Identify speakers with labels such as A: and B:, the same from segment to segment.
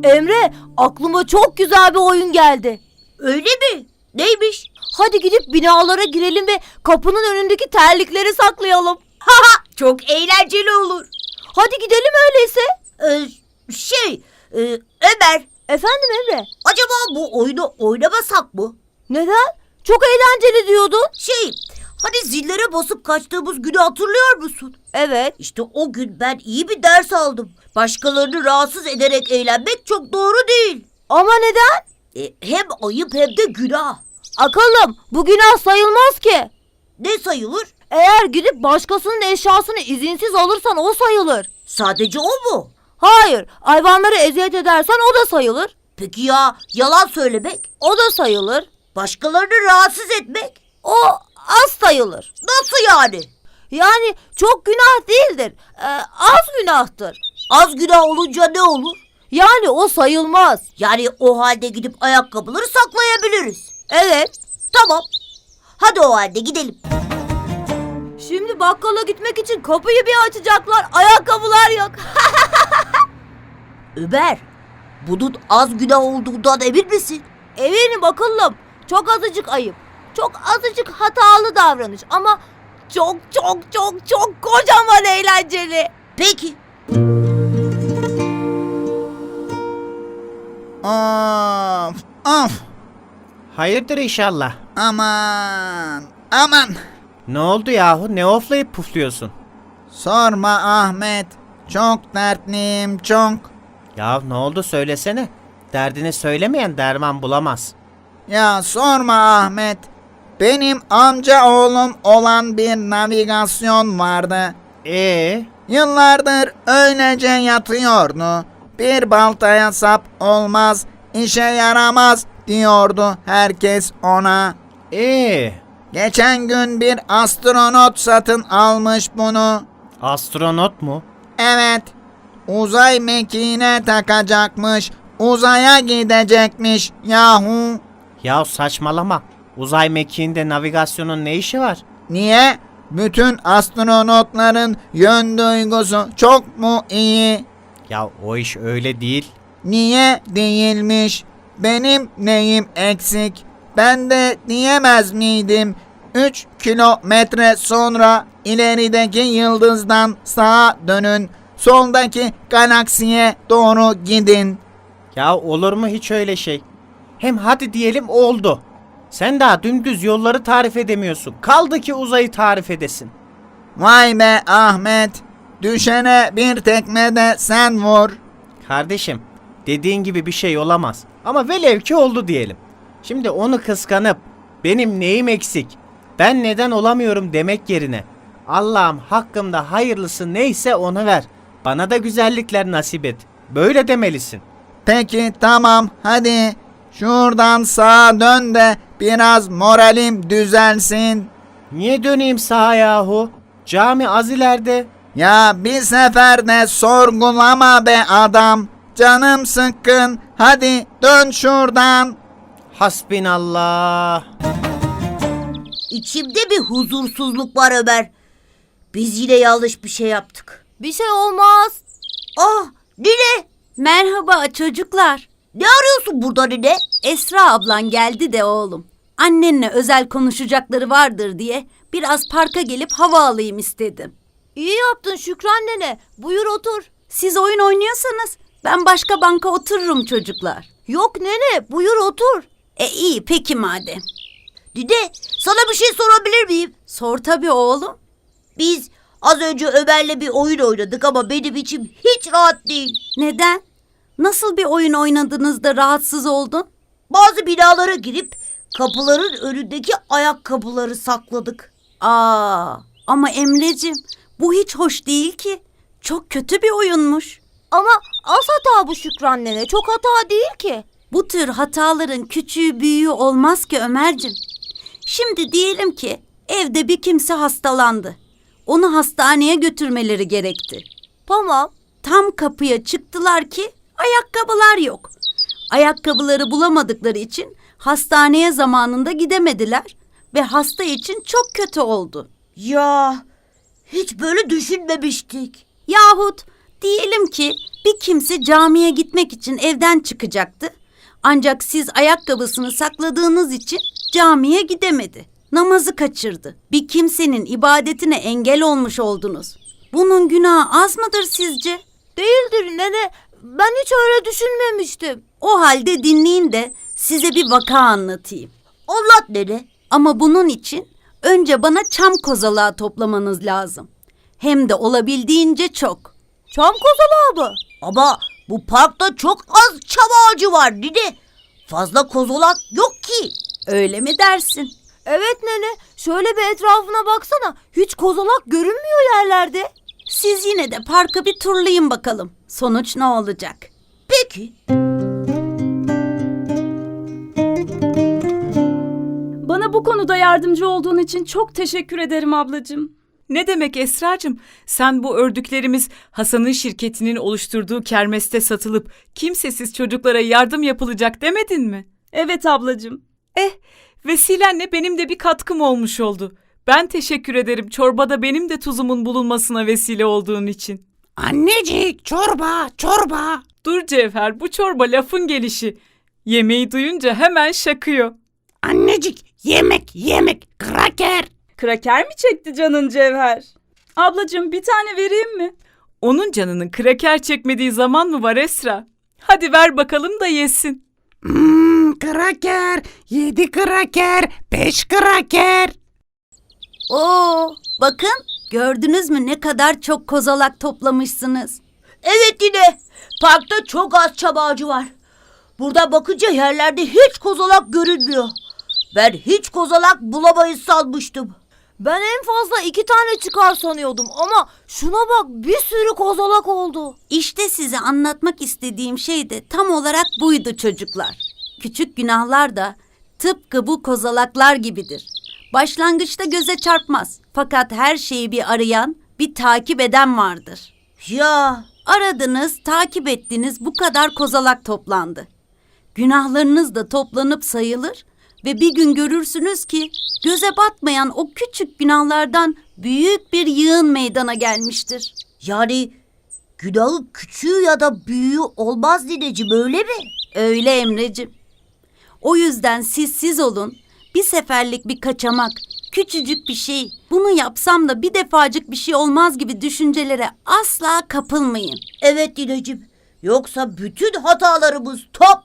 A: Emre, aklıma çok güzel bir oyun geldi.
B: Öyle mi? Neymiş?
A: Hadi gidip binalara girelim ve kapının önündeki terlikleri saklayalım.
B: Çok eğlenceli olur.
A: Hadi gidelim öyleyse.
B: Ömer,
A: Efendim Emre?
B: acaba bu oyunu oynamasak mı?
A: Neden? Çok eğlenceli diyordun.
B: Hani zillere basıp kaçtığımız günü hatırlıyor musun?
A: Evet.
B: İşte o gün ben iyi bir ders aldım. Başkalarını rahatsız ederek eğlenmek çok doğru değil.
A: Ama neden?
B: Hem ayıp hem de günah.
A: Akıllım, bu günah sayılmaz ki.
B: Ne sayılır?
A: Eğer gidip başkasının eşyasını izinsiz alırsan o sayılır.
B: Sadece o mu?
A: Hayır, hayvanları eziyet edersen o da sayılır.
B: Peki ya yalan söylemek?
A: O da sayılır.
B: Başkalarını rahatsız etmek?
A: O az sayılır.
B: Nasıl yani?
A: Yani çok günah değildir. Az günahtır.
B: Az günah olunca ne olur?
A: Yani o sayılmaz.
B: Yani o halde gidip ayakkabıları saklayabiliriz.
A: Evet.
B: Tamam. Hadi o halde gidelim.
A: Şimdi bakkala gitmek için kapıyı bir açacaklar. Ayakkabılar yok.
B: Ömer, bunun az günah olduğundan emin misin?
A: Eminim akıllım. Çok azıcık ayıp. Çok azıcık hatalı davranış. Ama çok kocaman eğlenceli.
B: Peki.
C: Of.
D: Hayırdır inşallah.
C: Aman.
D: Ne oldu yahu? Ne oflayıp pufluyorsun?
C: Sorma Ahmet. Çok dertliyim çok.
D: Ya ne oldu söylesene. Derdini söylemeyen derman bulamaz.
C: Ya sorma Ahmet. Benim amca oğlum olan bir navigasyon vardı. Yıllardır öylece yatıyordu. Bir baltaya sap olmaz, işe yaramaz diyordu herkes ona. Geçen gün bir astronot satın almış bunu.
D: Astronot mu?
C: Evet, uzay mekiğine takacakmış, uzaya gidecekmiş yahu.
D: Ya saçmalama. Uzay mekiğinde navigasyonun ne işi var?
C: Niye? Bütün astronotların yön duygusu çok mu iyi?
D: Ya o iş öyle değil.
C: Niye değilmiş? Benim neyim eksik? Ben de diyemez miydim? 3 kilometre sonra ilerideki yıldızdan sağa dönün. Soldaki galaksiye doğru gidin.
D: Ya olur mu hiç öyle şey? Hem hadi diyelim oldu. Sen daha dümdüz yolları tarif edemiyorsun. Kaldı ki uzayı tarif edesin.
C: Vay be Ahmet. Düşene bir tekme de sen vur.
D: Kardeşim, dediğin gibi bir şey olamaz. Ama velev ki oldu diyelim. Şimdi onu kıskanıp benim neyim eksik, ben neden olamıyorum demek yerine Allah'ım hakkımda hayırlısı neyse onu ver. Bana da güzellikler nasip et. Böyle demelisin.
C: Peki tamam hadi. Şuradan sağa dön de biraz moralim düzelsin.
D: Niye döneyim sağa yahu? Cami az ileride.
C: Ya bir sefer de sorgulama be adam. Canım sıkkın. Hadi dön şuradan.
D: Hasbinallah.
B: İçimde bir huzursuzluk var Ömer. Biz yine yanlış bir şey yaptık.
A: Bir şey olmaz.
B: Nine?
E: Merhaba çocuklar.
B: Ne arıyorsun burada nine?
E: Esra ablan geldi de oğlum. Annenle özel konuşacakları vardır diye biraz parka gelip hava alayım istedim.
A: İyi yaptın Şükran nene. Buyur otur.
E: Siz oyun oynuyorsanız ben başka banka otururum çocuklar.
A: Yok nene, buyur otur.
E: İyi peki madem.
B: Nine, sana bir şey sorabilir miyim?
E: Sor tabii oğlum.
B: Biz az önce Ömer'le bir oyun oynadık ama benim içim hiç rahat değil.
E: Neden? Nasıl bir oyun oynadınız da rahatsız oldun?
B: Bazı binalara girip kapıların önündeki ayakkabıları sakladık.
E: Ama Emreciğim bu hiç hoş değil ki. Çok kötü bir oyunmuş.
A: Ama az hata bu Şükran nene. Çok hata değil ki.
E: Bu tür hataların küçüğü büyüğü olmaz ki Ömerciğim. Şimdi diyelim ki evde bir kimse hastalandı. Onu hastaneye götürmeleri gerekti.
A: Tamam.
E: Tam kapıya çıktılar ki ayakkabılar yok. Ayakkabıları bulamadıkları için hastaneye zamanında gidemediler ve hasta için çok kötü oldu.
B: Ya hiç böyle düşünmemiştik.
E: Yahut Diyelim ki bir kimse camiye gitmek için evden çıkacaktı. Ancak siz ayakkabısını sakladığınız için camiye gidemedi. Namazı kaçırdı. Bir kimsenin ibadetine engel olmuş oldunuz. Bunun günahı az mıdır sizce?
A: Değildir nene. Ben hiç öyle düşünmemiştim.
E: O halde dinleyin de size bir vaka anlatayım.
B: Anlat nene.
E: Ama bunun için önce bana çam kozalağı toplamanız lazım. Hem de olabildiğince çok.
A: Çam kozalağı mı?
B: Ama bu parkta çok az çam ağacı var nene. Fazla kozolak yok ki.
E: Öyle mi dersin?
A: Evet nene. Şöyle bir etrafına baksana. Hiç kozalak görünmüyor yerlerde.
E: Siz yine de parkı bir turlayın bakalım. Sonuç ne olacak?
B: Peki.
F: Bana bu konuda yardımcı olduğun için çok teşekkür ederim ablacığım.
G: Ne demek Esracığım? Sen bu ördüklerimiz Hasan'ın şirketinin oluşturduğu kermeste satılıp kimsesiz çocuklara yardım yapılacak demedin mi?
F: Evet ablacığım.
G: Vesilenle benim de bir katkım olmuş oldu. Ben teşekkür ederim çorbada benim de tuzumun bulunmasına vesile olduğun için.
H: Annecik çorba çorba.
G: Dur Cevher, bu çorba lafın gelişi. Yemeği duyunca hemen şakıyor.
H: Annecik yemek kraker.
F: Kraker mi çekti canın Cevher? Ablacığım bir tane vereyim mi?
G: Onun canının kraker çekmediği zaman mı var Esra? Hadi ver bakalım da yesin.
H: Kraker 7 kraker 5 kraker.
E: Oo, bakın gördünüz mü ne kadar çok kozalak toplamışsınız.
B: Evet yine. Parkta çok az çam ağacı var. Burada bakınca yerlerde hiç kozalak görünmüyor. Ben hiç kozalak bulamayız sanmıştım.
A: Ben en fazla 2 tane çıkar sanıyordum ama şuna bak bir sürü kozalak oldu.
E: İşte size anlatmak istediğim şey de tam olarak buydu çocuklar. Küçük günahlar da tıpkı bu kozalaklar gibidir. Başlangıçta göze çarpmaz. Fakat her şeyi bir arayan, bir takip eden vardır.
B: Ya
E: Aradınız, takip ettiniz, bu kadar kozalak toplandı. Günahlarınız da toplanıp sayılır ve bir gün görürsünüz ki göze batmayan o küçük günahlardan büyük bir yığın meydana gelmiştir.
B: yani günahın küçüğü ya da büyüğü olmaz nineciğim öyle mi?
E: Öyle Emreciğim. O yüzden siz olun. Bir seferlik bir kaçamak, küçücük bir şey. Bunu yapsam da bir defacık bir şey olmaz gibi düşüncelere asla kapılmayın.
B: Evet nineciğim. Yoksa bütün hatalarımız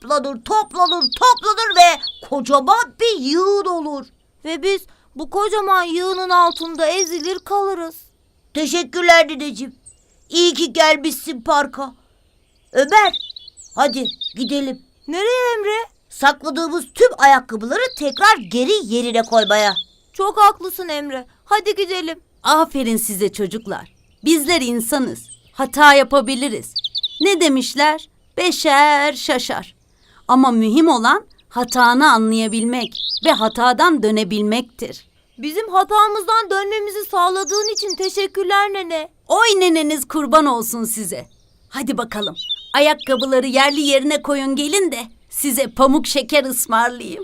B: toplanır ve kocaman bir yığın olur.
A: Ve biz bu kocaman yığının altında ezilir kalırız.
B: Teşekkürler nineciğim. İyi ki gelmişsin parka. Ömer, hadi gidelim.
A: Nereye Emre?
B: Sakladığımız tüm ayakkabıları tekrar geri yerine koymaya.
A: Çok haklısın Emre. Hadi gidelim.
E: Aferin size çocuklar. Bizler insanız. Hata yapabiliriz. Ne demişler? Beşer şaşar. Ama mühim olan hatanı anlayabilmek ve hatadan dönebilmektir.
A: Bizim hatamızdan dönmemizi sağladığın için teşekkürler nene.
E: Oy neneniz kurban olsun size. Hadi bakalım. Ayakkabıları yerli yerine koyun gelin de size pamuk şeker ısmarlayayım.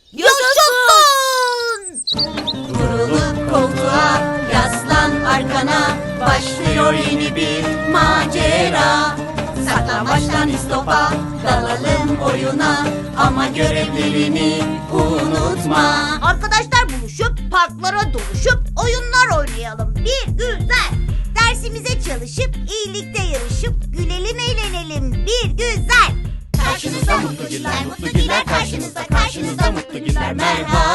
B: Yaşasın!
I: Vurulup koltuğa, yaslan arkana, başlıyor yeni bir macera. Saklambaçtan istopa, dalalım oyuna, ama görevlerini unutma.
B: Arkadaşlar buluşup parklara doluşup oyunlar oynayalım. Bir güzel. Dersimize çalışıp iyilikte yarışıp gülelim eğlenelim. Bir güzel.
I: Karşınızda mutlu günler, karşınızda mutlu günler. Merhaba.